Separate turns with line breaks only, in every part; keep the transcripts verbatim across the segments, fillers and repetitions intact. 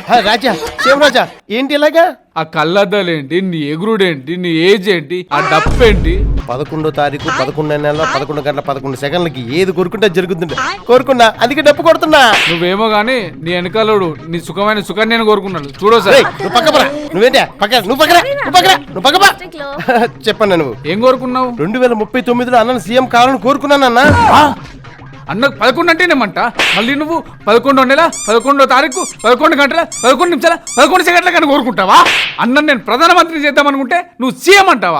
రాజా శివరాజా ఏంటి ఇలాగా?
ఆ కళ్ళద్దాలేంటి, నీ ఎగురుడేంటి, నీ ఏజ్ ఏంటి, ఆ డప్పు ఏంటి?
పదకొండో తారీఖు పదకొండో నెల పదకొండు గంటల పదకొండు సెకండ్లకి ఏది కోరుకుంటే జరుగుతుంది. కోరుకున్నా అందుకే డప్పు కొడుతున్నా.
నువ్వేమో గానీ నీ వెనకాలోడు నీ సుఖమైన సుఖాన్ని నేను కోరుకున్నాను. చూడో సరే.
నువ్వు పక్కపరా. నువ్వేంటి పక్క నువ్వు పక్కరా నువ్వు పక్కరా నువ్వు పక్కపా. చెప్పన్నా నువ్వు
ఏం కోరుకున్నావు?
రెండు వేల ముప్పై తొమ్మిదిలో అన్న సీఎం కావాలని కోరుకున్నాను అన్న.
అన్న పదకొండు అంటేనేమంట, మళ్ళీ నువ్వు పదకొండో నెల పదకొండో తారీఖు పదకొండు గంటల పదకొండు నిమిషాల పదకొండు సెకండ్ల కానీ కోరుకుంటావా? అన్న నేను ప్రధానమంత్రి చేద్దాం అనుకుంటే నువ్వు సీఎం అంటావా?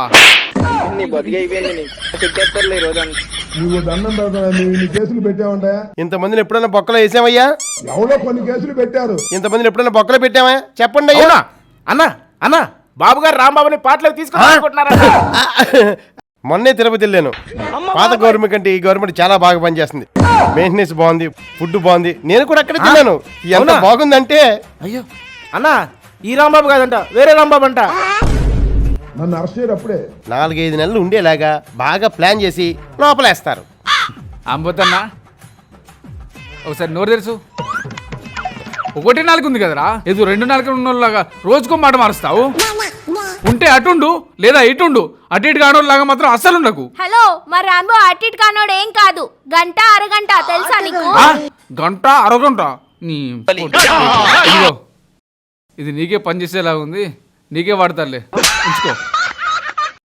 నువ్వు దండం కేసులు పెట్టావంటా?
ఇంతమందిని ఎప్పుడైనా బొక్కలో వేసామయ్యా?
ఎవరో కొన్ని కేసులు పెట్టారు.
ఇంతమందిని ఎప్పుడైనా బొక్కలో పెట్టామా చెప్పండి అయ్యా.
అన్న అన్న బాబు గారు రాంబాబుని పాటలకు తీసుకున్నారా?
మొన్నే తిరుపతి వెళ్ళాను. పాత గవర్నమెంట్ కంటే ఈ గవర్నమెంట్ చాలా బాగా పనిచేస్తుంది. మెయింటెనెన్స్ బాగుంది, ఫుడ్ బాగుంది. నేను కూడా అక్కడే తిన్నాను. ఎంత బాగుందంటే
అయ్యో అన్న ఈ రాంబాబు కాదంట, వేరే రాంబాబు అంట.
నన్ను అరెస్ట్ చేయరు అప్పుడే.
నాలుగైదు నెలలు ఉండేలాగా బాగా ప్లాన్ చేసి లోపలేస్తారు.
అంబోతన్నా ఒకసారి నోరు తెరుసు. ఒకటి నాలుగు ఉంది కదరా, ఏదో రెండు నాలుగు ఉన్నోళ్ళలాగా రోజుకో మాట మారుస్తావు. ఉంటే అటుండు లేదా ఇటుండు, అటు ఇటు కానోళ్ళలాగా మాత్రం అస్సలు ఉండకు.
హలో మా రాంబో అటు ఇటు కానోడు ఏం కాదు. గంట అరగంట తెలుసా నీకు?
గంట అరగంట నీ ఇదిగో ఇది నీకే పని చేసేలాగా ఉంది, నీకే వాడతారులే, ఉంచుకో.